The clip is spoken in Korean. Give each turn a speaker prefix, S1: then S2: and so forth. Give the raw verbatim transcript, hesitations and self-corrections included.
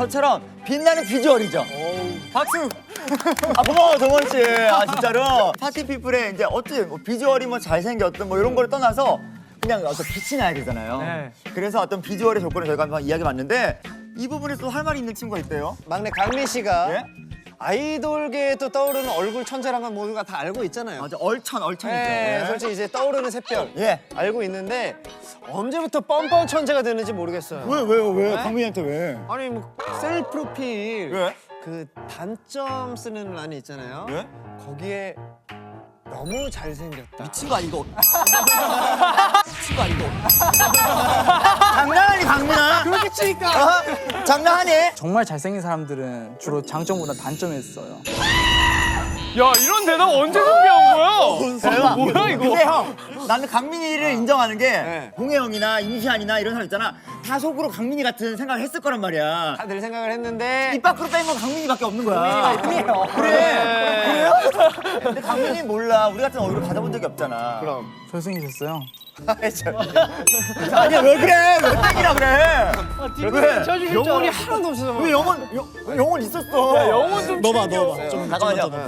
S1: 저처럼 빛나는 비주얼이죠.
S2: 박수.
S1: 아 고마워 정원 씨. 아 진짜로 파티 피플의 이제 어떻게 뭐 비주얼이 뭐 잘생겼든 뭐 이런 걸 떠나서 그냥 어떤 빛이 나야 되잖아요.
S2: 네.
S1: 그래서 어떤 비주얼의 조건을 저희가 한번 이야기해봤는데 이 부분에서 할 말이 있는 친구가 있대요.
S3: 막내 강민 씨가
S1: 예?
S3: 아이돌계에 또 떠오르는 얼굴 천재란 건 모두가 다 알고 있잖아요.
S1: 맞아 얼천 얼천이죠.
S3: 네, 솔직히 이제 떠오르는 샛별
S1: 예.
S3: 알고 있는데 언제부터 뻔뻔 천재가 됐는지 모르겠어요.
S1: 왜 왜요 왜?
S3: 네?
S1: 강민이한테 왜?
S3: 아니 뭐 셀 프로필
S1: 왜?
S3: 그 단점 쓰는 란이 있잖아요.
S1: 왜?
S3: 거기에 너무 잘생겼다.
S1: 미친 거 아니고? 미친 거 아니고? 장난하니 강민아?
S3: 그렇게 치니까.
S1: 어? 장난하니?
S4: 정말 잘생긴 사람들은 주로 장점보다 단점을 써요.
S2: 야 이런 대답 언제 준비한 거야?
S1: 대박.
S2: 뭐야 이거?
S1: 근데 형, 나는 강민이를 인정하는 게
S3: 네.
S1: 동해 형이나 임시안이나 이런 사람 있잖아. 다 속으로 강민이 같은 생각을 했을 거란 말이야.
S3: 다들 생각을 했는데
S1: 입 밖으로 뺀 건 강민이밖에 없는 거야.
S3: 강민이가
S1: 그래. 그래요? 근데 강민이 몰라. 우리 같은 얼굴 받아본 적이 없잖아.
S3: 그럼
S4: 잘생기셨어요.
S1: 아니야 왜 그래? 왜 땡이라 그래? 왜?
S3: 영혼이 하나도 없어서
S1: 왜 영혼 영, 영혼 있었어?
S2: 영혼 좀
S5: 넣어봐
S2: 챙겨.
S5: 넣어봐 좀
S1: 잠깐만요.